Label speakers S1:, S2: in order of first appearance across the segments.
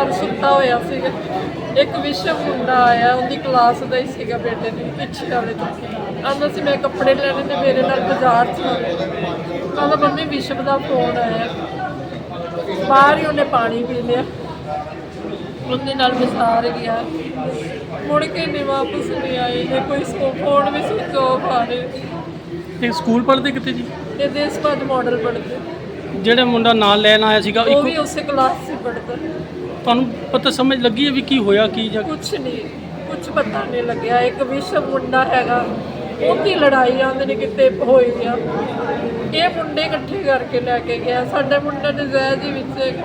S1: ਘਰ ਸੁੱਤਾ ਹੋਇਆ ਸੀਗਾ। ਇੱਕ ਵਿਸ਼ਵ ਮੁੰਡਾ ਆਇਆ, ਉਹਦੀ ਕਲਾਸ ਦਾ ਹੀ ਸੀਗਾ ਬੇਟੇ ਦੀ, ਪਿੱਛੇ ਵਾਲੇ ਤੋਂ ਆਉਂਦਾ ਸੀ। ਮੈਂ ਕੱਪੜੇ ਲੈਣੇ ਤੇ ਮੇਰੇ ਨਾਲ ਬਾਜ਼ਾਰ 'ਚ ਕਹਿੰਦਾ ਮੰਮੀ ਵਿਸ਼ਵ ਦਾ ਫੋਨ ਆਇਆ। ਬਾਹਰ ਹੀ ਉਹਨੇ ਪਾਣੀ ਪੀ ਲਿਆ, ਉਹਦੇ ਨਾਲ ਵਿਸਾਰ ਗਿਆ, ਮੁੜ ਕੇ ਨਹੀਂ ਵਾਪਸ ਨਹੀਂ ਆਏ। ਤੇ ਕੋਈ ਫੋਨ ਵੀ ਸੁੱਚ ਆਫ ਆ ਰਹੇ।
S2: ਤੇ ਸਕੂਲ ਪੜ੍ਹਦੇ ਕਿੱਥੇ ਜੀ?
S1: ਇਹ ਦੇਸਪਾਜ ਮਾਡਲ ਪੜ੍ਹਦੇ।
S2: ਜਿਹੜਾ ਮੁੰਡਾ ਨਾਲ ਲੈਣ ਆਇਆ ਸੀਗਾ
S1: ਉਹ ਵੀ ਉਸੇ ਕਲਾਸ 'ਚ ਪੜ੍ਹਦਾ।
S2: ਤੁਹਾਨੂੰ ਪਤਾ ਸਮਝ ਲੱਗੀ ਹੈ ਵੀ ਕੀ ਹੋਇਆ ਕੀ ਜਾਂ
S1: ਕੁਛ ਨਹੀਂ, ਕੁਛ ਪਤਾ ਨਹੀਂ ਲੱਗਿਆ। ਇੱਕ ਵਿਸ਼ਵ ਮੁੰਡਾ ਹੈਗਾ, ਉਹਦੀ ਲੜਾਈ ਆਉਂਦੇ ਨੇ ਕਿਤੇ ਹੋਈ ਆ। ਇਹ ਮੁੰਡੇ ਇਕੱਠੇ ਕਰਕੇ ਲੈ ਕੇ ਗਿਆ। ਸਾਡੇ ਮੁੰਡੇ ਨੇ ਜ਼ਹਿਰ ਦੇ ਵਿੱਚ।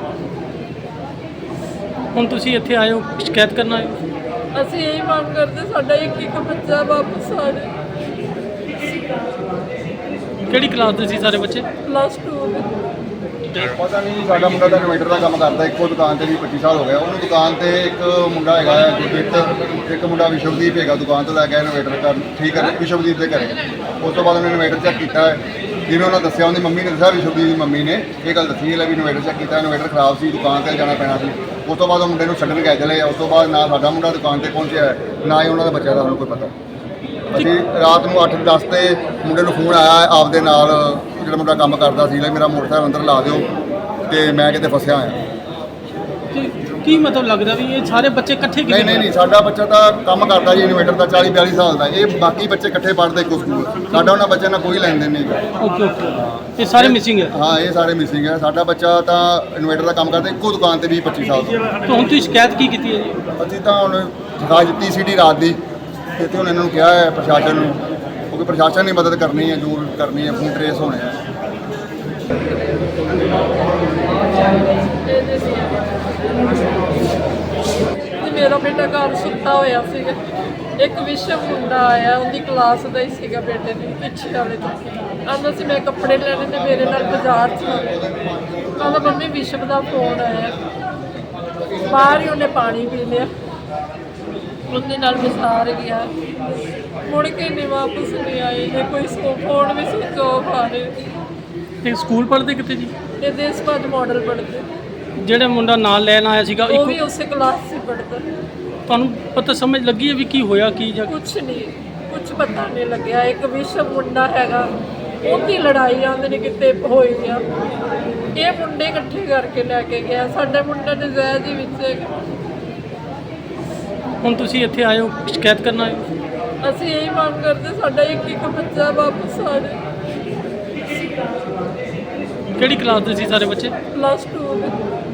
S2: ਹੁਣ ਤੁਸੀਂ ਇੱਥੇ ਆਏ ਹੋ ਸ਼ਿਕਾਇਤ ਕਰਨ ਆਏ ਹੋ?
S1: ਅਸੀਂ ਇਹੀ ਮੰਗ ਕਰਦੇ ਸਾਡਾ ਇੱਕ ਬੱਚਾ ਵਾਪਸ ਆ ਜਾਏ।
S2: ਕਿਹੜੀ ਕਲਾਸ ਦੇ ਸੀ ਸਾਰੇ ਬੱਚੇ?
S1: ਪਲੱਸ 2
S3: ਪਤਾ ਨਹੀਂ, ਸਾਡਾ ਮੁੰਡਾ ਤਾਂ ਇਨਵੇਟਰ ਦਾ ਕੰਮ ਕਰਦਾ। ਇੱਕੋ ਦੁਕਾਨ ਤੇ ਵੀ 25 ਸਾਲ ਹੋ ਗਿਆ ਉਹਨੂੰ। ਦੁਕਾਨ ਤੇ ਇੱਕ ਮੁੰਡਾ ਹੈਗਾ ਗੁਰਦੀਪ, ਇੱਕ ਮੁੰਡਾ ਵਿਸ਼ਵਦੀਪ ਹੈਗਾ। ਦੁਕਾਨ ਤੋਂ ਲੈ ਕੇ ਇਨਵੇਟਰ ਕਰ ਠੀਕ ਹੈ ਵਿਸ਼ਵਦੀਪ ਦੇ ਘਰੇ। ਉਸ ਤੋਂ ਬਾਅਦ ਉਹਨੇ ਇਨਵੇਟਰ ਚੈੱਕ ਕੀਤਾ, ਜਿਵੇਂ ਉਹਨਾਂ ਦੱਸਿਆ, ਉਹਦੀ ਮੰਮੀ ਨੇ ਦੱਸਿਆ, ਵਿਸ਼ਵਦੀਪ ਦੀ ਮੰਮੀ ਨੇ ਇਹ ਗੱਲ ਦੱਸੀ ਹੈ ਵੀ ਇਨਵੇਟਰ ਚੈੱਕ ਕੀਤਾ, ਇਨਵੇਟਰ ਖਰਾਬ ਸੀ, ਦੁਕਾਨ ਤੇ ਜਾਣਾ ਪੈਣਾ ਸੀ। ਉਸ ਤੋਂ ਬਾਅਦ ਉਹ ਮੁੰਡੇ ਨੂੰ ਛੱਡਣ ਗਏ ਚਲੇ। ਉਸ ਤੋਂ ਬਾਅਦ ਨਾ ਸਾਡਾ ਮੁੰਡਾ ਦੁਕਾਨ ਤੇ ਪਹੁੰਚਿਆ, ਨਾ ਹੀ ਉਹਨਾਂ ਦਾ ਬੱਚਾ ਦਾ ਸਾਨੂੰ ਕੋਈ ਪਤਾ। ਅਸੀਂ ਰਾਤ ਨੂੰ 8-10 ਤੇ ਮੁੰਡੇ ਨੂੰ ਫੋਨ ਆਇਆ ਆਪਦੇ ਨਾਲ, ਜਿਹੜਾ ਮੁੰਡਾ ਕੰਮ ਕਰਦਾ ਸੀ, ਮੇਰਾ ਮੋਟਰਸਾਈਕਲ ਅੰਦਰ ਲਾ ਦਿਓ ਤੇ ਮੈਂ ਕਿਤੇ ਫਸਿਆ ਹੋਇਆ।
S2: ਕੀ ਮਤਲਬ ਲੱਗਦਾ ਵੀ ਇਹ ਸਾਰੇ ਬੱਚੇ ਇਕੱਠੇ ਕਿਵੇਂ?
S3: ਨਹੀਂ, ਸਾਡਾ ਬੱਚਾ ਤਾਂ ਕੰਮ ਕਰਦਾ ਜੀ ਇਨਵੇਟਰ ਦਾ, 40-42 ਸਾਲ ਦਾ। ਇਹ ਬਾਕੀ ਬੱਚੇ ਇਕੱਠੇ ਪੜ੍ਹਦੇ ਇੱਕੋ ਸਕੂਲ। ਸਾਡਾ ਉਹਨਾਂ ਬੱਚਿਆਂ ਨਾਲ ਕੋਈ ਲੈਣ ਦੇਣ ਨਹੀਂ ਹੈਗਾ।
S2: ਓਕੇ ਇਹ ਸਾਰੇ ਮਿਸਿੰਗ ਹੈ?
S3: ਹਾਂ, ਇਹ ਸਾਰੇ ਮਿਸਿੰਗ ਹੈ। ਸਾਡਾ ਬੱਚਾ ਤਾਂ ਇਨਵੇਟਰ ਦਾ ਕੰਮ ਕਰਦਾ ਇੱਕੋ ਦੁਕਾਨ ਤੇ 20-25 ਸਾਲ ਤੋਂ।
S2: ਤਾਂ ਹੁਣ ਤੁਸੀਂ ਸ਼ਿਕਾਇਤ ਕੀ ਕੀਤੀ ਹੈ ਜੀ?
S3: ਅਸੀਂ ਤਾਂ ਹੁਣ ਦਿਖਾ ਦਿੱਤੀ ਸੀਟੀ ਰਾਤ ਦੀ। ਇੱਥੇ ਹੁਣ ਇਹਨਾਂ ਨੂੰ ਕਿਹਾ ਹੈ ਪ੍ਰਸ਼ਾਸਨ ਨੂੰ, ਕਿਉਂਕਿ ਪ੍ਰਸ਼ਾਸਨ ਨੇ ਮਦਦ ਕਰਨੀ ਹੈ, ਜ਼ਰੂਰ ਕਰਨੀ ਹੈ। ਫੋਨ ਟਰੇਸ ਹੋਣੇ ਆ।
S1: ਮੇਰਾ ਬੇਟਾ ਘਰ ਸੁੱਤਾ ਹੋਇਆ ਸੀਗਾ। ਇੱਕ ਵਿਸ਼ਵ ਮੁੰਡਾ ਆਇਆ, ਉਹਦੀ ਕਲਾਸ ਦਾ ਹੀ ਸੀਗਾ ਬੇਟੇ ਦੀ, ਪਿੱਛੇ ਵਾਲੇ ਤੋਂ ਆਉਂਦਾ ਸੀ। ਮੈਂ ਕੱਪੜੇ ਲੈਣੇ ਤੇ ਮੇਰੇ ਨਾਲ ਬਾਜ਼ਾਰ 'ਚ ਕਹਿੰਦਾ ਮੰਮੀ ਵਿਸ਼ਵ ਦਾ ਫੋਨ ਆਇਆ। ਬਾਹਰ ਹੀ ਉਹਨੇ ਪਾਣੀ ਪੀ ਲਿਆ, ਉਹਦੇ ਨਾਲ ਵਿਸਾਰ ਗਿਆ, ਮੁੜ ਕੇ ਨਹੀਂ ਵਾਪਸ ਨਹੀਂ ਆਏ। ਤੇ ਕੋਈ ਫੋਨ ਵੀ ਸੁੱਚ ਆਫ ਆ ਰਹੇ।
S2: ਤੇ ਸਕੂਲ ਪੜ੍ਹਦੇ ਕਿੱਥੇ ਜੀ?
S1: ਇਹ ਦੇਸਪਾਜ ਮਾਡਲ ਪੜ੍ਹਦੇ।
S2: ਜਿਹੜਾ ਮੁੰਡਾ ਨਾਲ ਲੈਣ ਆਇਆ ਸੀਗਾ
S1: ਉਹ ਵੀ ਉਸੇ ਕਲਾਸ 'ਚ ਪੜ੍ਹਦਾ।
S2: ਤੁਹਾਨੂੰ ਪਤਾ ਸਮਝ ਲੱਗੀ ਹੈ ਵੀ ਕੀ ਹੋਇਆ ਕੀ ਜਾਂ
S1: ਕੁਛ ਨਹੀਂ, ਕੁਛ ਪਤਾ ਨਹੀਂ ਲੱਗਿਆ। ਇੱਕ ਵਿਸ਼ਵ ਮੁੰਡਾ ਹੈਗਾ, ਉਹਦੀ ਲੜਾਈ ਆਉਂਦੇ ਨੇ ਕਿਤੇ ਹੋਈ ਆ। ਇਹ ਮੁੰਡੇ ਇਕੱਠੇ ਕਰਕੇ ਲੈ ਕੇ ਗਿਆ। ਸਾਡੇ ਮੁੰਡੇ ਨੇ ਜ਼ਹਿਰ ਦੇ ਵਿੱਚ।
S2: ਹੁਣ ਤੁਸੀਂ ਇੱਥੇ ਆਏ ਹੋ ਸ਼ਿਕਾਇਤ ਕਰਨ ਆਏ ਹੋ?
S1: ਅਸੀਂ ਇਹੀ ਮੰਗ ਕਰਦੇ ਸਾਡਾ ਇੱਕ ਬੱਚਾ ਵਾਪਸ ਆ ਜਾਏ।
S2: ਕਿਹੜੀ ਕਲਾਸ ਦੇ ਸੀ ਸਾਰੇ ਬੱਚੇ?
S1: ਪਲੱਸ 2